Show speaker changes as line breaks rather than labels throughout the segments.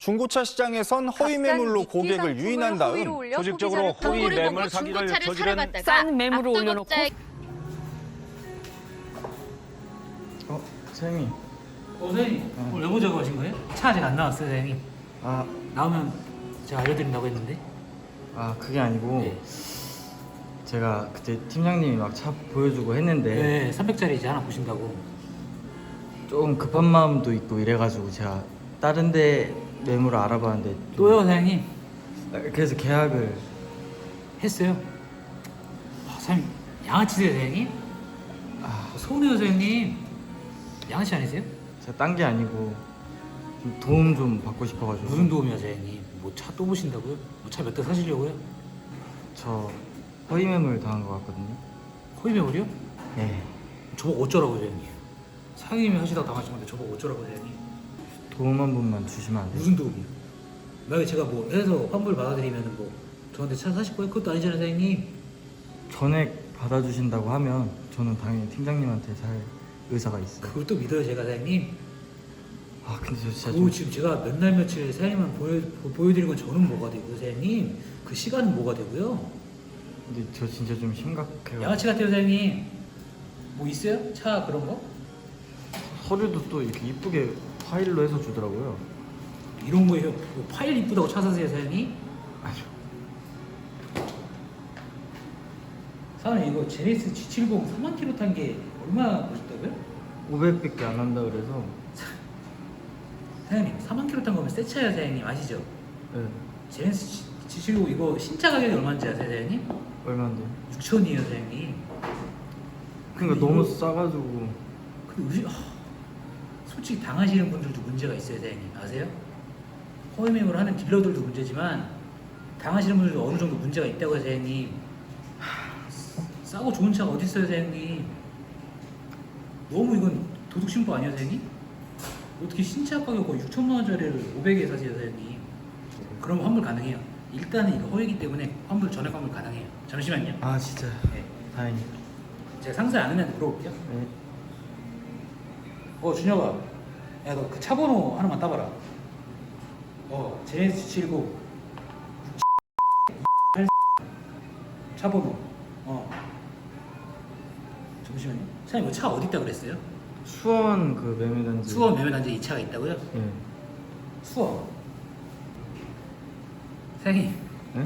중고차 시장에선 허위 매물로 고객을 유인한 다음
조직적으로 허위 매물 사기를 저지른
싼 매물을 올려놓고
사장님.
사장님 오늘 외모 작업하신 거예요? 차 아직 안 나왔어요 사장님.
아,
나오면 제가 알려드린다고 했는데.
그게 아니고
네.
제가 그때 팀장님이 막 차 보여주고 했는데
네 300짜리 이제 하나 보신다고.
조금 급한 마음도 있고 이래가지고 제가 다른 데 매물을 알아봤는데 좀-
또요 사장님?
그래서 계약을
했어요. 사장님 양아치세요 사장님? 서운해요 사장님. 양아치 아니세요?
제가 딴 게 아니고 좀 도움 좀 받고 싶어가지고.
무슨 도움이야 사장님? 뭐 차 또 보신다고요? 뭐 차 몇 대 사시려고요?
저 허위 매물 당한 것 같거든요.
허위 매물이요?
네.
저보고 어쩌라고 사장님? 사장님이 하시다가 당하신 건데 저보고 어쩌라고 사장님?
도움 한 번만 주시면 안 돼요?
무슨 도움이요? 만약에 제가 뭐 해서 환불 받아들이면 뭐 저한테 차 사실 거예요? 그것도 아니잖아요 사장님.
전액 받아주신다고 하면 저는 당연히 팀장님한테 살 의사가 있어요.
그걸 또 믿어요 제가 사장님?
근데 저 진짜
그거
좀
지금 제가 몇 날 며칠 사장님만 보여드린 건 저는 뭐가 되고요 사장님? 그 시간은 뭐가 되고요?
근데 저 진짜 좀 심각해요.
양아치 같아요 사장님. 뭐 있어요? 차 그런 거?
서류도 또 이렇게 이쁘게 파일로 해서 주더라고요.
이런 거예요? 뭐 파일 이쁘다고 차 사세요 사장님?
아니요.
사장님 이거 제네시스 G70 3만 킬로 탄 게 얼마 보셨다고요?
500밖에 안 한다 그래서.
사장님 4만 킬로 탄 거면 새 차예요 사장님 아시죠?
네.
제네시스 G70 이거 신차 가격이 얼마인지 아세요 사장님?
얼마인데요?
6천이에요 사장님.
그러니까
근데
너무
이거-
싸가지고.
근데 솔직히 당하시는 분들도 문제가 있어요 사장님 아세요? 허위 매물을 하는 딜러들도 문제지만 당하시는 분들도 어느 정도 문제가 있다고요 사장님. 싸고 좋은 차가 어디 있어요 사장님? 너무 이건 도둑 신고 아니에요 사장님? 어떻게 신차 가격 거의 6천만 원짜리를 500에 사세요 사장님? 그럼 환불 가능해요. 일단은 이거 허위이기 때문에 환불 전액 환불 가능해요. 잠시만요.
진짜
네.
다행히.
제가 상세 아는 애한테 물어볼게요.
네.
준혁아, 야 너 그 차 번호 하나만 따봐라. 제네시스 79 차 번호. 잠시만요. 사장님 차 어디 있다 그랬어요?
수원 그 매매단지.
수원 매매단지에 이 차가 있다고요?
네.
수원. 사장님
네?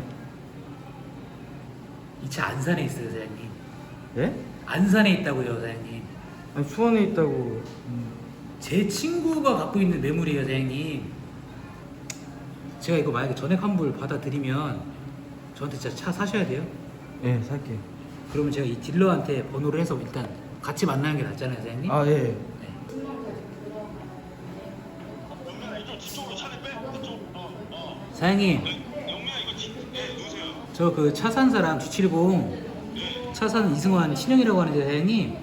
이 차 안산에 있어요 사장님.
예?
안산에 있다고요 사장님.
아니 수원에 있다고.
제 친구가 갖고 있는 매물이에요 사장님. 제가 이거 만약에 전액 환불 받아들이면 저한테 진짜 차 사셔야 돼요.
예, 살게요.
그러면 제가 이 딜러한테 번호를 해서 일단 같이 만나는 게 낫잖아요 사장님.
예.
네. 사장님 저 그 차 산 사람 G70 차 산 이승환 신영이라고 하는데 사장님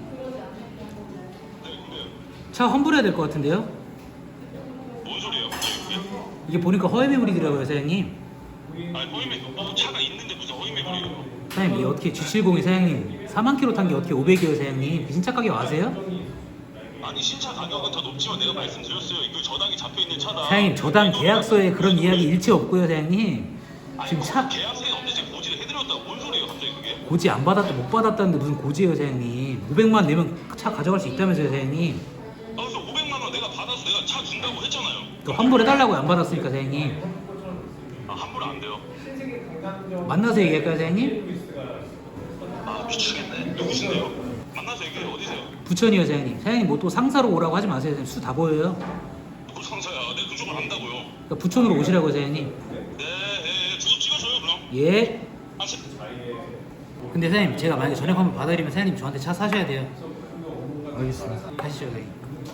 차 환불해야 될 것 같은데요?
뭔 소리예요?
이게 보니까 허위 매물이더라고요 사장님.
아니 허위 매물 차가 있는데 무슨 허위 매물이에요?
사장님 이게 어떻게 G70이 사장님 4만 킬로 탄 게 어떻게 500이에요 사장님. 그 신차 가격 아세요?
아니 신차 가격은 더 높지만 내가 말씀드렸어요. 이거 저당이 잡혀 있는 차다.
사장님 저당 계약서에 그런 이야기 일체 없고요 사장님. 지금 차
계약서에 없는데 제가 고지를 해드렸다고 뭔 소리예요 갑자기 그게?
고지 안 받았다 못 받았다는데 무슨 고지예요 사장님. 500만 내면 차 가져갈 수 있다면서요 사장님.
그래서 500만 원 내가 받아서 내가 차 준다고 했잖아요.
그 환불해달라고 안 받았으니까 사장님.
환불 안 돼요.
만나서 얘기할까요 사장님?
미치겠네. 누구신데요? 만나서 얘기해. 어디세요?
부천이요 사장님. 사장님 뭐 또 상사로 오라고 하지 마세요 사장님. 수 다 보여요.
누구 상사야? 내가 그쪽을 안다고요.
그러니까 부천으로 오시라고요 사장님.
네, 주소 찍어줘요 그럼.
예.
아,
근데 사장님 제가 만약에 전액 환불 받아들이면 사장님 저한테 차 사셔야 돼요.
알겠습니다.
가시죠 사장님.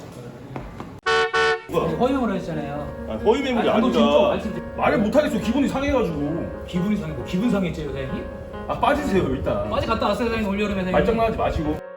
허위 매물 하셨잖아요.
허위 매물이
아니, 진짜
아니라
말씀드려.
말을 못하겠어. 기분이 상해가지고.
기분이 상했고 기분 상했죠 사장님?
빠지세요 일단.
어제 갔다 왔어요 사장님 올여름에 사장님.
말장난하지 마시고.